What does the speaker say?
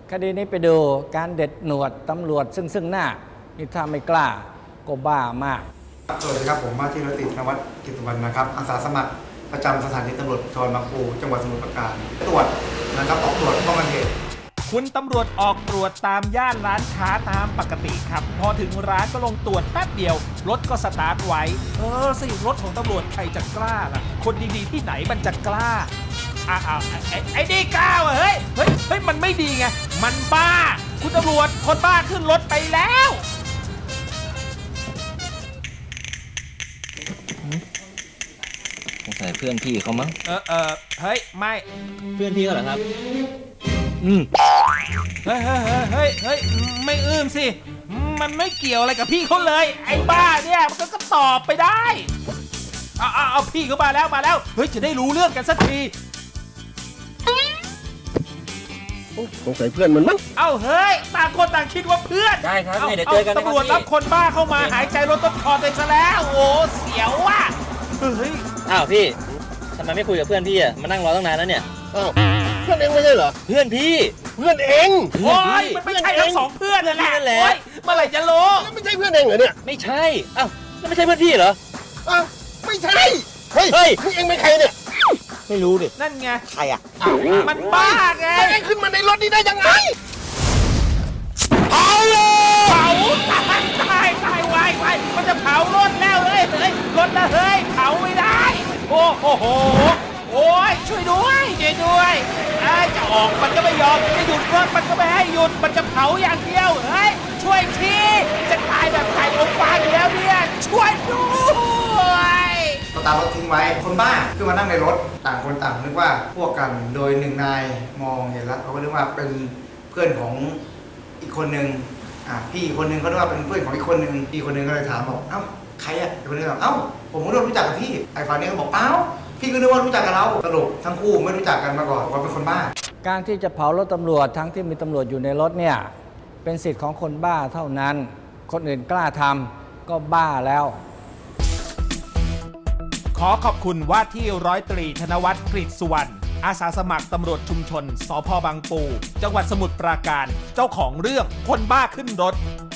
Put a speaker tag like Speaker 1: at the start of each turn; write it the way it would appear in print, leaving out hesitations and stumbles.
Speaker 1: คดีนี้ไปดูการเด็ดหนวดตำรวจซึ่งหน้านี่ถ้าไม่กล้าก็บ้ามาก
Speaker 2: สวัสดีครับผมว่าที่ร้อยตรีธนวัฒน์กิตติวรรณนะครับอาสาสมัครประจำสถานีตำรวจภูธรบางปูจังหวัดสมุทรปราการตรวจนะครับออกตรวจป้องกันเหตุ
Speaker 3: คุณตำรวจออกตรวจตามย่านร้านค้าตามปกติครับพอถึงร้านก็ลงตรวจแป๊บเดียวรถก็สตาร์ทไว้สิรถของตำรวจใครจะกล้าล่ะคนดีๆที่ไหนมันจะกล้าไอ้นี่กล้าเฮ้ยมันไม่ดีไงมันบ้าคุณตำรวจคนบ้าขึ้นรถไปแล้ว
Speaker 4: สงสัยเพื่อนพี่เขามั้ง
Speaker 3: เฮ้ยไม่
Speaker 4: เพื่อนพี่เขาเหรอครับ
Speaker 3: เฮ้ยไม่สิมันไม่เกี่ยวอะไรกับพี่เขาเลยไอ้บ้าเนี่ยมันก็ตอบไปได้เอาพี่เขามาแล้วเฮ้ยจะได้รู้เรื่องกันสักที
Speaker 5: สงสัยเพื่อนมันมั้ง
Speaker 3: เอ้าเฮ้ยต่างคนต่างคิดว่าเพื่อน
Speaker 4: ได้ครับเดี๋ยวเจอกัน
Speaker 3: ตำรวจรับคนบ้าเข้ามาหายใจรถต้นคอไปซะแล้วโอ้เสียวว่ะเฮ้ย
Speaker 4: อ้าวพี่ทำไมไม่คุยกับเพื่อนพี่อะมานั่งรอตั้งนานแล้วเนี่ย
Speaker 5: อ้าวเพื่อนเองไม่ใช่เหรอ
Speaker 4: เพื่อนพี่
Speaker 5: เพื่อนเอง
Speaker 3: โอ้ยมันไม่ใช่ทั้งสองเพื่อนนั่นแหละเมื่อไหร่จะรู้
Speaker 5: ไม่ใช่เพื่อนเองเหรอเนี่ย
Speaker 4: ไม่ใช่อ้าวแล้วไม่ใช่เพื่อนพี่เหรอ
Speaker 5: อ้าวไม่ใช่เฮ้ยนี่เองเป็นใครเนี่ย
Speaker 4: ไม่รู้ดิ
Speaker 3: นั่นไง
Speaker 5: ใครอ่ะ
Speaker 3: มันบ้าไง
Speaker 5: เองขึ้นมาในรถนี้ได้ยังไง
Speaker 3: เผาตายวายมันจะเผารถแล้วเฮ้ยรถนะเฮ้ยเผาไม่ได้โอ้โหโอ้ยช่วยด้วยจะออกมันก็ไม่ยอมจะหยุดรถมันก็ไม่ให้หยุดมันจะเผาอย่างเดียวเฮ้ยช่วยทีจะตายแบบไข่อบฟางอยู่แล้วเนี่ยช่วยด้วย
Speaker 2: สตาร์ทรถทิ้งไว้คนบ้าขึ้นมานั่งในรถต่างคนต่างนึกว่าพวกกันโดยหนึ่งนายมองเห็นแล้วเขาก็นึกว่าเป็นเพื่อนของอีกคนนึงพี่อีกคนนึงเขาคิดว่าเป็นเพื่อนของอีกคนนึงพี่คนนึงก็เลยถามบอกเอ้าใครอ่ะอีกคนนึงบอกเอ้าผมก็รู้จักกับพี่ไอ้ฝ่ายนี้เขาบอกเอ้าพี่ก็นึกว่ารู้จักกับเราสรุปทั้งคู่ไม่รู้จักกันมาก่อนว่าเป็นคนบ้า
Speaker 1: การที่จะเผารถตำรวจทั้งที่มีตำรวจอยู่ในรถเนี่ยเป็นสิทธิ์ของคนบ้าเท่านั้นคนอื่นกล้าทำก็บ้าแล้ว
Speaker 3: ขอขอบคุณว่าที่ร้อยตรีธนวัฒน์กฤษสุวรรณอาสาสมัครตำรวจชุมชนสภ.บางปูจังหวัดสมุทรปราการเจ้าของเรื่องคนบ้าขึ้นรถ